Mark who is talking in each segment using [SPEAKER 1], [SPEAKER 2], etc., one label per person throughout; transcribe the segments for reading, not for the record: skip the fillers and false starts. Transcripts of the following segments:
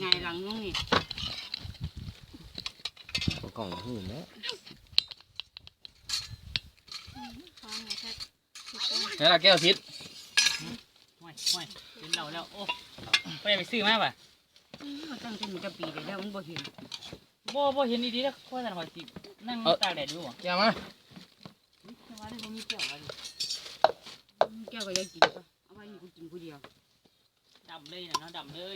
[SPEAKER 1] หลังน้องนี่
[SPEAKER 2] กล่องหื่นแล้ว
[SPEAKER 3] นี่ละแก้วทิศห่วยเป็นเราแล้วโอ้ไปซื้อมาป่ะ
[SPEAKER 1] มันตั้งแต่มันจะปีเลยแล้วมันบ่เห็น
[SPEAKER 3] บ่เห็นดีๆแล้วข้อสันหอยสินั่งตากแดดอยู่บ่แก้วมาว่าได้บ่มีแก้วอะไร
[SPEAKER 1] แก้วก็ยังกินป่ะเอาไว้นี่กูกินกูเดียว
[SPEAKER 3] ดำเลยนะเนาะดำเลย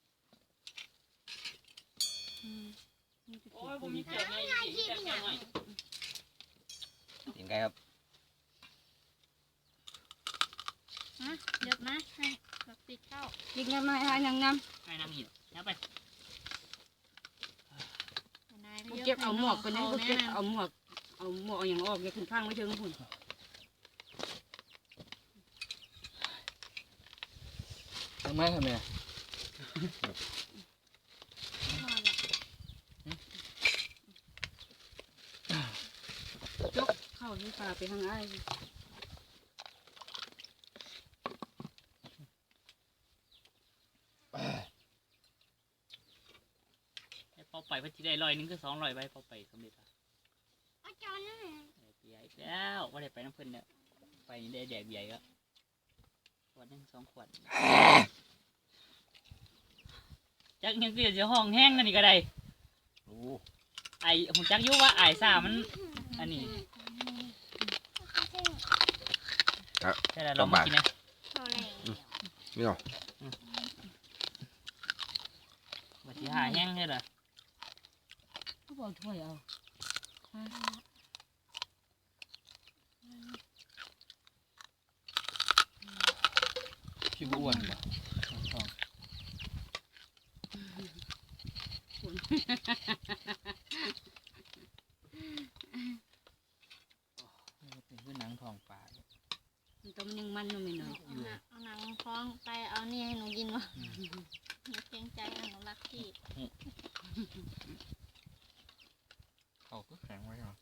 [SPEAKER 3] โอ้ยบ่มีแก้วไงแก้วหน่อย
[SPEAKER 2] กินไก่ครับ
[SPEAKER 4] เดี๋ยวนะให้แบบติดเข้า
[SPEAKER 1] กินน้ำไม่ให้น้ำ
[SPEAKER 3] ให้น้ำหินแล้วไป
[SPEAKER 1] กูเก็บเอาหมวกกันนะกูเก็บเอาหมวกอย่างออกอย่าขึ้นข้างไว้เชิงพุ่น
[SPEAKER 3] ทำไมทำไม
[SPEAKER 1] จกเข้าที่ป่าไปทางไอ้
[SPEAKER 3] พอไปพัชิได้100 นึงก็200ใบพอไปสำเร็จอ่ะ
[SPEAKER 4] อาจารย์
[SPEAKER 3] เบียร์อีกแล้วว่าได้ไปน้ำเพิ่นเนี่ยไปได้แดกเบียร์ก็ขวดนึง2 ขวดจักยังเกลียดจะห้องแห้งนั่นนี่ก็ได้ไอผมจักยุว่าไอซ่ามันอันนี้ใช่แล้วลองมากินนะ
[SPEAKER 2] ไม่หรอ
[SPEAKER 3] บัดที่หาแห้งเลยเหรอ
[SPEAKER 1] เขาบอกถ้วยเอา
[SPEAKER 3] ชิบอ้วนป่ะคือหนังทองปลา
[SPEAKER 1] มันต้องยังมันไม่หน่อย
[SPEAKER 4] เอาหนังท้องไปเอานี่ให้หนูกินวะหนูเกรงใจหนูรักพี่
[SPEAKER 3] เขาก็แข็งไว้เหรอ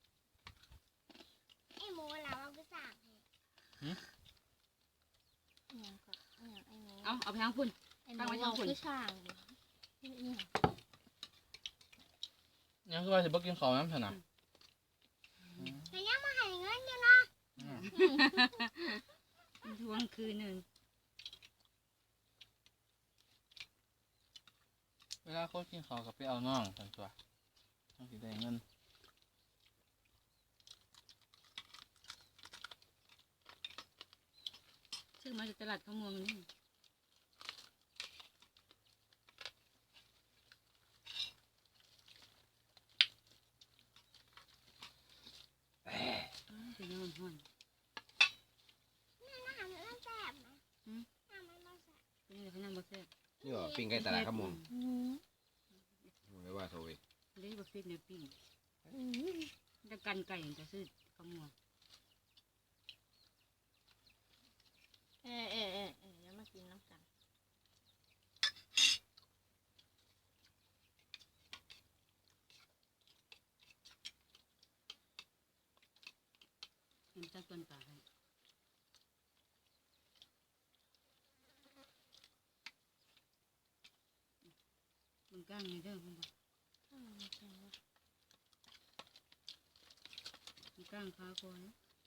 [SPEAKER 4] ไอ้หมูเราก็สั่ง
[SPEAKER 1] เอาไปทางพุ่น
[SPEAKER 4] ตั้งไว้ทางพุ่นคือช่าง
[SPEAKER 3] ยังคือว่าจะบอกกินข้าวน้ำถนัด
[SPEAKER 4] แต่ยังมาให้เงินอยู่นะ
[SPEAKER 1] ทวงคืนหนึ่ง
[SPEAKER 3] เวลาเขากินข้าวกับไปเอาน่องสันตัวต้องสิได้เงิน
[SPEAKER 1] ซื้อมาจากตลาดข้าวมวงนี่เป็นยังไงห้อน
[SPEAKER 4] น้ำมันแสบนะน้ำมันแสบ
[SPEAKER 1] เป็นยังไงเขานั่งบ่แซ่บ
[SPEAKER 2] นี่หรอปิ้งไก่ตลาดข้าวมงไม่ว่าโทรอีก
[SPEAKER 1] เลี้ยงบ่ฟิตเนี่ยปิ้งจะกันไก่จะซื้อข้าวมวง
[SPEAKER 4] แล้วมากินน้ำกัน
[SPEAKER 1] เห็นตะต้นป่าให้มันก้างในเด้อมันก้างขาก่อน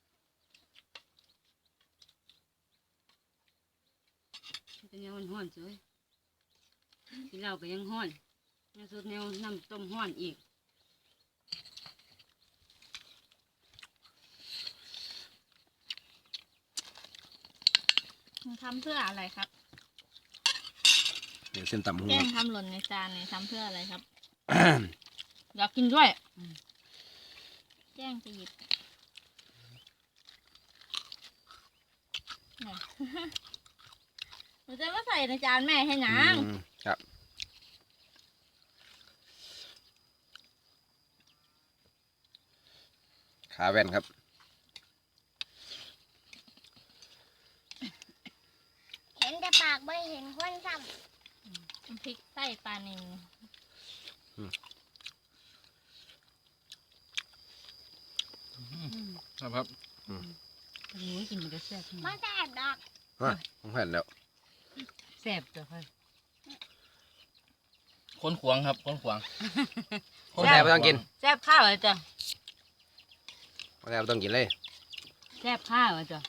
[SPEAKER 1] จะแนวห้อนสวยกินเหล้าก็ยังห้อนแนวสุดแนวน้ำต้มห้อนอีก
[SPEAKER 4] ทำเพื่ออะไรครับ
[SPEAKER 2] เดี๋ยวเส้นตำหู
[SPEAKER 4] แกงทำหล่นในจานเนี่ยทำเพื่ออะไรครับ
[SPEAKER 1] อยากกินด้วย
[SPEAKER 4] แกงจะหยิบหนูจะมาใส่ในจานแม่ให้นาง
[SPEAKER 2] ครับขาแว่นครับ
[SPEAKER 4] เห็นแต่ปากไม่เห็นคนซ้ำพริกใส่ปลาหนึ่ง
[SPEAKER 3] ครับ
[SPEAKER 1] โอ้ยกินมันก็แซ่บ
[SPEAKER 4] มาแซ่บดอก
[SPEAKER 2] ผมเห็นแล้ว
[SPEAKER 1] แซ่บจ้ะค่ะ
[SPEAKER 5] คนขวางครับคนขวาง
[SPEAKER 2] คนแซ่บไม่ต้องกิน
[SPEAKER 1] แซ่บข้าวเหรอจ้ะ
[SPEAKER 2] คนแซ่บไม่ต้องกินเลย
[SPEAKER 1] แซ่บข้าวเหรอจ้ะ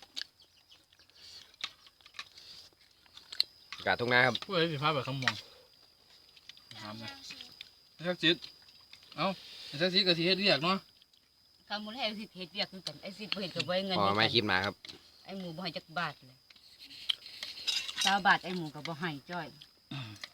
[SPEAKER 2] อากาศทุ่งนาครับ
[SPEAKER 5] ผู้ใดสิพาไปขมวงถามนะไอ้ทักษิณเอ้าไอ้ทักษิณก็สิเฮ็ดเรียกเนาะ
[SPEAKER 1] กำมูลให้ไอ้สิเฮ็ดเวียกคือกันไอ้สิบ่เฮ็ดกับบ่ให้เงิน
[SPEAKER 2] พอไม่
[SPEAKER 1] คือกัน
[SPEAKER 2] คิดมาครับ
[SPEAKER 1] ไอ้หมูบ่ให้จักบาทเลย20 บาทไอ้หมูก็บ่ให้จ้อย